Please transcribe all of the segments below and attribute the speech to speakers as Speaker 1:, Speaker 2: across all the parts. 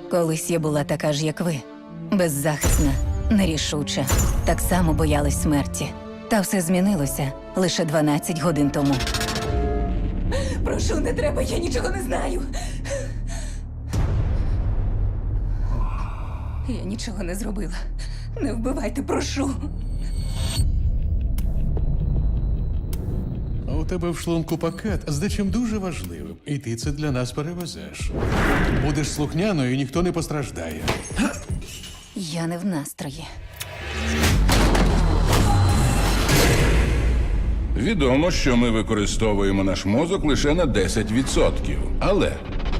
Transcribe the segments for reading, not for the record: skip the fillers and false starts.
Speaker 1: Колись я була така ж, як ви. Беззахисна, нерішуча. Так само боялась смерті. Та все змінилося лише 12 годин тому. Прошу, не треба, я нічого не знаю. Я нічого не зробила. Не вбивайте, прошу.
Speaker 2: А у тебе в шлунку пакет з дечим дуже важливим, і ти це для нас перевезеш. Будеш слухняною, і ніхто не постраждає.
Speaker 1: Я не в настрої.
Speaker 3: Відомо, що ми використовуємо наш мозок лише на 10%. Але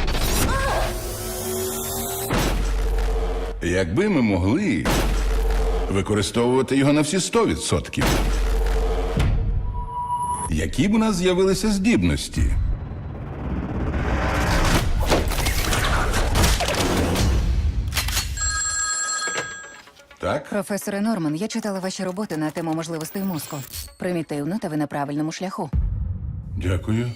Speaker 3: якби ми могли використовувати його на всі 100%, які б у нас з'явилися здібності? Так?
Speaker 1: Професоре Норман, я читала ваші роботи на тему можливостей мозку. Примітивно, та ви на правильному шляху.
Speaker 3: Дякую.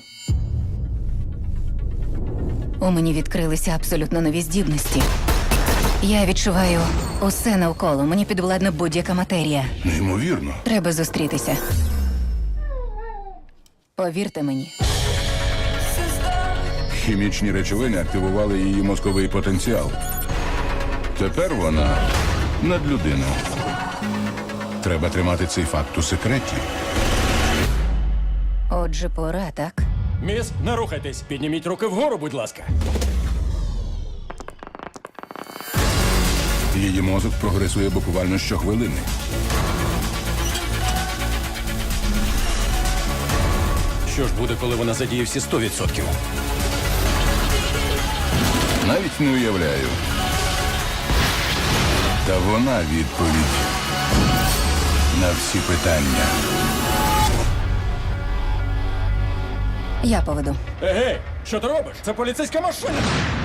Speaker 1: У мені відкрилися абсолютно нові здібності. Я відчуваю усе навколо. Мені підвладна будь-яка матерія.
Speaker 3: Неймовірно.
Speaker 1: Треба зустрітися. Повірте мені.
Speaker 3: Хімічні речовини активували її мозковий потенціал. Тепер вона надлюдина. Треба тримати цей факт у секреті.
Speaker 1: Отже, пора, так?
Speaker 4: Міс, не рухайтесь. Підніміть руки вгору, будь ласка.
Speaker 3: Її мозок прогресує буквально щохвилини.
Speaker 4: Що ж буде, коли вона задіє всі 100%?
Speaker 3: Навіть не уявляю. Та вона відповідь на всі питання.
Speaker 1: Я поведу.
Speaker 4: Егей, що ти робиш? Це поліцейська машина.